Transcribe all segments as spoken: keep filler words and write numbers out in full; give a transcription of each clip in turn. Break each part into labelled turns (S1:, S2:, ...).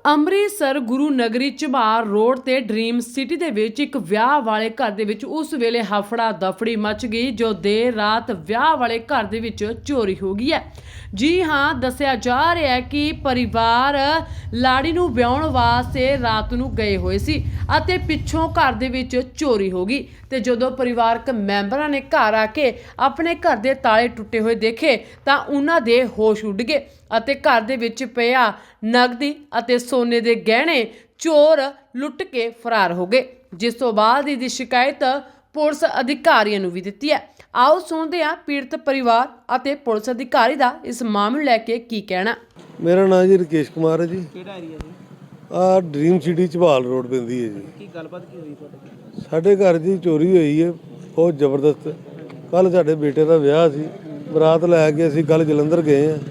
S1: Amritsar Guru Nagri Jhabar road ਤੇ dream city ਦੇ ਵਿੱਚ ਇੱਕ ਵਿਆਹ ਵਾਲੇ ਘਰ ਦੇ ਵਿੱਚ ਉਸ ਵੇਲੇ ਹਫੜਾ ਦਫੜੀ ਮਚ ਗਈ ਜੋ ਦੇਰ ਰਾਤ ਵਿਆਹ ਵਾਲੇ ਘਰ ਦੇ ਵਿੱਚ ਚੋਰੀ ਹੋ ਗਈ ਹੈ। ਜੀ ਹਾਂ, ਦੱਸਿਆ ਜਾ ਰਿਹਾ ਹੈ ਕਿ ਪਰਿਵਾਰ ਲਾੜੀ ਨੂੰ ਵਿਆਹਣ ਵਾਸਤੇ ਰਾਤ ਨੂੰ ਗਏ ਹੋਏ ਸੀ ਅਤੇ ਪਿੱਛੋਂ ਘਰ ਦੇ ਵਿੱਚ ਚੋਰੀ ਹੋ ਗਈ ਤੇ ਜਦੋਂ ਪਰਿਵਾਰਕ ਮੈਂਬਰਾਂ ਨੇ ਘਰ ਆ ਕੇ ਆਪਣੇ ਘਰ ਦੇ ਤਾਲੇ ਟੁੱਟੇ ਹੋਏ ਦੇਖੇ ਤਾਂ ਉਹਨਾਂ ਦੇ ਹੋਸ਼ ਉੱਡ ਗਏ ਅਤੇ ਘਰ ਦੇ ਵਿੱਚ ਪਿਆ ਨਗਦੀ ਅਤੇ ਸੋਨੇ ਦੇ ਗਹਿਣੇ ਚੋਰ ਲੁੱਟ ਕੇ ਫਰਾਰ ਹੋ ਗਏ, ਜਿਸ ਤੋਂ ਬਾਅਦ ਇਹਦੀ ਸ਼ਿਕਾਇਤ ਪੁਲਿਸ ਅਧਿਕਾਰੀਆਂ ਨੂੰ ਵੀ ਦਿੱਤੀ ਹੈ। ਆਓ ਸੁਣਦੇ ਹਾਂ ਪੀੜਤ ਪਰਿਵਾਰ ਅਤੇ ਪੁਲਿਸ ਅਧਿਕਾਰੀ ਦਾ ਇਸ ਮਾਮਲੇ ਲੈ ਕੇ ਕੀ ਕਹਿਣਾ।
S2: ਮੇਰਾ ਨਾਮ ਜੀ ਰਕੇਸ਼ ਕੁਮਾਰ ਹੈ ਜੀ।
S3: ਕਿਹੜਾ ਏਰੀਆ ਜੀ?
S2: ਆ ਡ੍ਰੀਮ ਸਿਟੀ ਝਬਾਲ ਰੋਡ ਪੈਂਦੀ ਹੈ ਜੀ।
S3: ਕੀ ਗੱਲਬਾਤ ਕੀ ਹੋਈ ਤੁਹਾਡੇ?
S2: ਸਾਡੇ ਘਰ ਦੀ ਚੋਰੀ ਹੋਈ ਹੈ ਬਹੁਤ ਜ਼ਬਰਦਸਤ। ਕੱਲ ਸਾਡੇ ਬੇਟੇ ਦਾ ਵਿਆਹ ਸੀ, ਬਰਾਤ ਲੈ ਕੇ ਅਸੀਂ ਕੱਲ ਜਲੰਧਰ ਗਏ ਹਾਂ।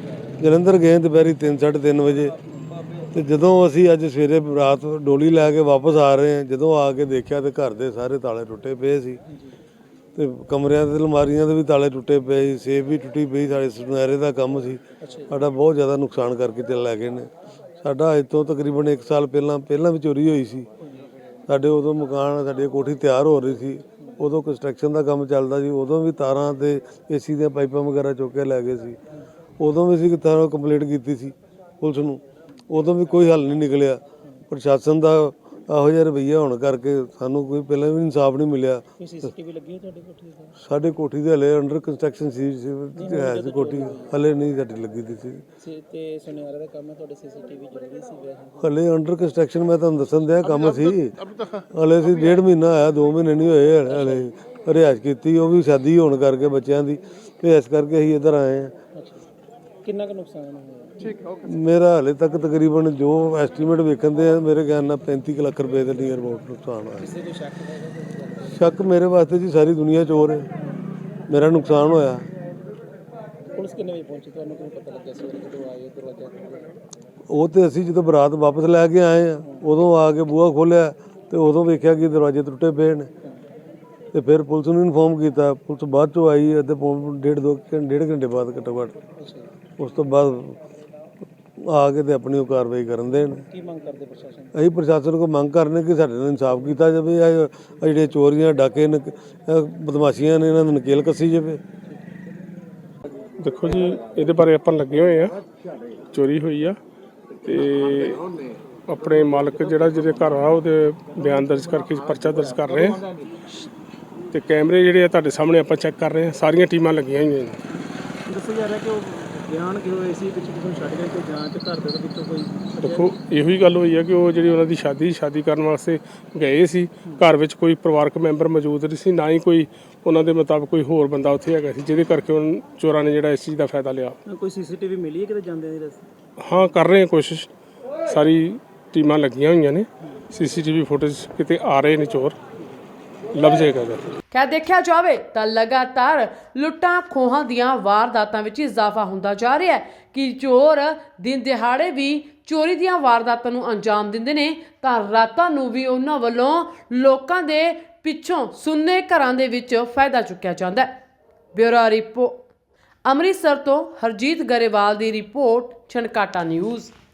S2: ਜਲੰਧਰ ਗਏ ਦੁਪਹਿਰੀ ਤਿੰਨ ਸਾਢੇ ਤਿੰਨ ਵਜੇ ਤੇ ਜਦੋਂ ਅਸੀਂ ਅੱਜ ਸਵੇਰੇ ਬਰਾਤ ਡੋਲੀ ਲੈ ਕੇ ਵਾਪਸ ਆ ਰਹੇ ਹਾਂ, ਜਦੋਂ ਆ ਕੇ ਦੇਖਿਆ ਤੇ ਘਰ ਦੇ ਸਾਰੇ ਤਾਲੇ ਟੁੱਟੇ ਪਏ ਸੀ ਤੇ ਕਮਰਿਆਂ ਦੇ ਅਲਮਾਰੀਆਂ ਦੇ ਵੀ ਤਾਲੇ ਟੁੱਟੇ ਪਏ ਸੀ, ਸੇਫ ਵੀ ਟੁੱਟੀ ਪਈ। ਸਾਡੇ ਸੁਨਹਿਰੇ ਦਾ ਕੰਮ ਸੀ, ਸਾਡਾ ਬਹੁਤ ਜ਼ਿਆਦਾ ਨੁਕਸਾਨ ਕਰਕੇ ਚੱਲ ਲੈ ਗਏ ਨੇ। ਸਾਡਾ ਅੱਜ ਤੋਂ ਤਕਰੀਬਨ ਇੱਕ ਸਾਲ ਪਹਿਲਾਂ ਪਹਿਲਾਂ ਵੀ ਚੋਰੀ ਹੋਈ ਸੀ। ਸਾਡੇ ਉਦੋਂ ਮਕਾਨ ਸਾਡੀ ਕੋਠੀ ਤਿਆਰ ਹੋ ਰਹੀ ਸੀ, ਉਦੋਂ ਕੰਸਟਰਕਸ਼ਨ ਦਾ ਕੰਮ ਚੱਲਦਾ ਸੀ, ਉਦੋਂ ਵੀ ਤਾਰਾਂ ਤੇ ਏਸੀ ਦੀਆਂ ਪਾਈਪਾਂ ਵਗੈਰਾ ਚੁੱਕ ਕੇ ਲੈ ਗਏ ਸੀ। ਉਦੋਂ ਵੀ ਅਸੀਂ ਤਾਰਾਂ ਕੰਪਲੀਟ ਕੀਤੀ ਸੀ ਪੁਲਿਸ ਨੂੰ, ਉਦੋਂ ਵੀ ਕੋਈ ਹੱਲ ਨਹੀਂ ਨਿਕਲਿਆ। ਪ੍ਰਸ਼ਾਸਨ ਦਾ ਇਹੋ ਜਿਹਾ ਰਵੱਈਆ ਹੋਣ ਕਰਕੇ ਸਾਨੂੰ ਕੋਈ ਪਹਿਲਾਂ ਵੀ ਇਨਸਾਫ ਨਹੀਂ ਮਿਲਿਆ।
S3: ਸੀਸੀਟੀਵੀ ਲੱਗੀ ਹੈ ਤੁਹਾਡੀ ਕੋਠੀ ਤੇ?
S2: ਸਾਡੇ ਕੋਠੀ ਦੇ ਹਲੇ ਅੰਡਰ ਕੰਸਟਰਕਸ਼ਨ ਸੀ ਹੈ ਸੀ ਕੋਠੀ, ਹਲੇ ਨਹੀਂ ਸਾਡੀ ਲੱਗੀ ਦੀ ਸੀ
S3: ਤੇ ਸੁਨਿਆਰੇ ਦਾ ਕੰਮ ਹੈ, ਤੁਹਾਡੇ ਸੀਸੀਟੀਵੀ ਜ਼ਰੂਰੀ ਸੀ ਵੈਸੇ?
S2: ਹਲੇ ਅੰਡਰ ਕੰਸਟਰਕਸ਼ਨ ਮੈਂ ਤੁਹਾਨੂੰ ਦੱਸਣ ਦਿਆ ਕੰਮ ਸੀ। ਹਲੇ ਸੀ ਡੇਢ ਮਹੀਨਾ ਆਇਆ, ਦੋ ਮਹੀਨੇ ਨਹੀਂ ਹੋਏ ਹਲੇ। ਰਿਹਾਇਸ਼ ਕੀਤੀ, ਉਹ ਵੀ ਸ਼ਾਦੀ ਹੋਣ ਕਰਕੇ ਬੱਚਿਆਂ ਦੀ, ਤੇ ਇਸ ਕਰਕੇ ਅਸੀਂ ਇੱਧਰ ਆਏ ਹਾਂ।
S3: ਕਿੰਨਾ ਕੁ ਨੁਕਸਾਨ ਹੋਇਆ?
S2: ਮੇਰਾ ਹਾਲੇ ਤੱਕ ਤਕਰੀਬਨ ਜੋ ਐਸਟੀਮੇਟ ਵੇਖਣ ਦੇ ਆ, ਮੇਰੇ ਖਿਆਲ ਨਾਲ ਪੈਂਤੀ ਕੁ ਲੱਖ ਰੁਪਏ ਦੇ ਨੀਅਰ ਅਬਾਊਟ ਨੁਕਸਾਨ ਹੋਇਆ।
S3: ਕਿਸੇ ਦੇ ਸ਼ੱਕ ਹੈਗਾ?
S2: ਸ਼ੱਕ ਮੇਰੇ ਵਾਸਤੇ ਜੀ ਸਾਰੀ ਦੁਨੀਆ ਚੋਰ ਹੈ। ਮੇਰਾ ਨੁਕਸਾਨ ਹੋਇਆ।
S3: ਪੁਲਿਸ ਕਿੰਨੇ ਵਜੇ ਪਹੁੰਚੀ? ਤੁਹਾਨੂੰ ਕਿਵੇਂ ਪਤਾ ਲੱਗਿਆ ਸਵੇਰੇ ਜਦੋਂ ਆਏ ਦਰਵਾਜ਼ਾ?
S2: ਉਹ ਤੇ ਅਸੀਂ ਜਦੋਂ ਬਰਾਤ ਵਾਪਸ ਲੈ ਕੇ ਆਏ ਆ, ਉਦੋਂ ਆ ਕੇ ਬੂਹਾ ਖੋਲ੍ਹਿਆ ਤੇ ਉਦੋਂ ਵੇਖਿਆ ਕਿ ਦਰਵਾਜ਼ੇ ਟੁੱਟੇ ਪਏ ਨੇ ਤੇ ਫਿਰ ਪੁਲਿਸ ਨੂੰ ਇਨਫੋਰਮ ਕੀਤਾ। ਪੁਲਿਸ ਬਾਅਦ ਚੋਂ ਆਈ, ਅੱਧੇ ਪੌਣ ਡੇਢ ਦੋ ਡੇਢ ਘੰਟੇ ਬਾਅਦ ਘੱਟੋ ਘੱਟ। ਉਸ ਤੋਂ ਬਾਅਦ ਆ ਕੇ ਤੇ ਆਪਣੀ ਉਹ ਕਾਰਵਾਈ ਕਰਨ ਦੇਣ।
S3: ਕੀ ਮੰਗ ਕਰਦੇ ਪ੍ਰਸ਼ਾਸਨ?
S2: ਅਸੀਂ ਪ੍ਰਸ਼ਾਸਨ ਕੋਲ ਮੰਗ ਕਰਨੇ ਕਿ ਸਾਡੇ ਨਾਲ ਇਨਸਾਫ ਕੀਤਾ ਜਾਵੇ। ਇਹ ਜਿਹੜੇ ਚੋਰੀਆਂ ਡਾਕੇ ਬਦਮਾਸ਼ੀਆਂ ਨੇ, ਇਹਨਾਂ ਨੂੰ ਨਕੇਲ ਕੱਸੀ ਜਾਵੇ।
S4: ਦੇਖੋ ਜੀ, ਇਹਦੇ ਬਾਰੇ ਆਪਾਂ ਲੱਗੇ ਹੋਏ ਆ। ਚੋਰੀ ਹੋਈ ਆ ਤੇ ਆਪਣੇ ਮਾਲਕ ਜਿਹੜਾ ਜਿਹਦੇ ਘਰ ਆ ਉਹਦੇ ਬਿਆਨ ਦਰਜ ਕਰਕੇ ਪਰਚਾ ਦਰਜ ਕਰ ਰਹੇ ਆ ਤੇ ਕੈਮਰੇ ਜਿਹੜੇ ਆ ਤੁਹਾਡੇ ਸਾਹਮਣੇ ਆਪਾਂ ਚੈੱਕ ਕਰ ਰਹੇ ਆ। ਸਾਰੀਆਂ ਟੀਮਾਂ ਲੱਗੀਆਂ ਹੋਈਆਂ ਨੇ।
S3: ਦੱਸਿਆ ਜਾ ਰਿਹਾ ਕਿ ਉਹ ਬਿਆਨ ਕਿਉਂ ਹੋਏ ਸੀ, ਪਿੱਛੇ ਕਿਸੇ ਨੂੰ ਛੱਡ ਗਏ, ਕੋਈ ਜਾਂਚ ਘਰ ਦੇ ਵਿੱਚੋਂ ਕੋਈ?
S4: ਦੇਖੋ, ਇਹੋ ਹੀ ਗੱਲ ਹੋਈ ਆ ਕਿ ਉਹ ਜਿਹੜੀ ਉਹਨਾਂ ਦੀ ਸ਼ਾਦੀ ਸ਼ਾਦੀ ਕਰਨ ਵਾਸਤੇ ਗਏ ਸੀ, ਘਰ ਵਿੱਚ ਕੋਈ ਪਰਿਵਾਰਕ ਮੈਂਬਰ ਮੌਜੂਦ ਨਹੀਂ ਸੀ, ਨਾ ਹੀ ਕੋਈ ਉਹਨਾਂ ਦੇ ਮੁਤਾਬਕ ਕੋਈ ਹੋਰ ਬੰਦਾ ਉੱਥੇ ਹੈਗਾ ਸੀ, ਜਿਹਦੇ ਕਰਕੇ ਉਹਨਾਂ ਚੋਰਾਂ ਨੇ ਜਿਹੜਾ ਇਸ ਚੀਜ਼ ਦਾ ਫਾਇਦਾ ਲਿਆ।
S3: ਕੋਈ ਸੀਸੀਟੀਵੀ ਮਿਲੀ ਹੈ ਕਿਤੇ ਜਾਂਦੇ ਦੀ ਰਸਤੇ?
S4: ਹਾਂ, ਕਰ ਰਹੇ ਹਾਂ ਕੋਸ਼ਿਸ਼। ਸਾਰੀ ਟੀਮਾਂ ਲੱਗੀਆਂ ਹੋਈਆਂ ਨੇ। ਸੀਸੀਟੀਵੀ ਫੁਟੇਜ ਕਿਤੇ ਆ ਰਹੇ ਨੇ, ਚੋਰ ਲੱਭ ਜਾਏਗਾ।
S1: ਖੈਰ, ਦੇਖਿਆ ਜਾਵੇ ਤਾਂ ਲਗਾਤਾਰ ਲੁੱਟਾਂ ਖੋਹਾਂ ਦੀਆਂ ਵਾਰਦਾਤਾਂ ਵਿੱਚ ਇਜ਼ਾਫਾ ਹੁੰਦਾ ਜਾ ਰਿਹਾ ਹੈ ਕਿ ਚੋਰ ਦਿਨ ਦਿਹਾੜੇ ਵੀ ਚੋਰੀ ਦੀਆਂ ਵਾਰਦਾਤਾਂ ਨੂੰ ਅੰਜਾਮ ਦਿੰਦੇ ਨੇ ਤਾਂ ਰਾਤਾਂ ਨੂੰ ਵੀ ਉਹਨਾਂ ਵੱਲੋਂ ਲੋਕਾਂ ਦੇ ਪਿੱਛੋਂ ਸੁੰਨੇ ਘਰਾਂ ਦੇ ਵਿੱਚ ਫਾਇਦਾ ਚੁੱਕਿਆ ਜਾਂਦਾ ਹੈ। ਬਿਊਰੋ ਰਿਪੋਰਟ ਅੰਮ੍ਰਿਤਸਰ ਤੋਂ ਹਰਜੀਤ ਗਰੇਵਾਲ ਦੀ ਰਿਪੋਰਟ, ਛਣਕਾਟਾ ਨਿਊਜ਼।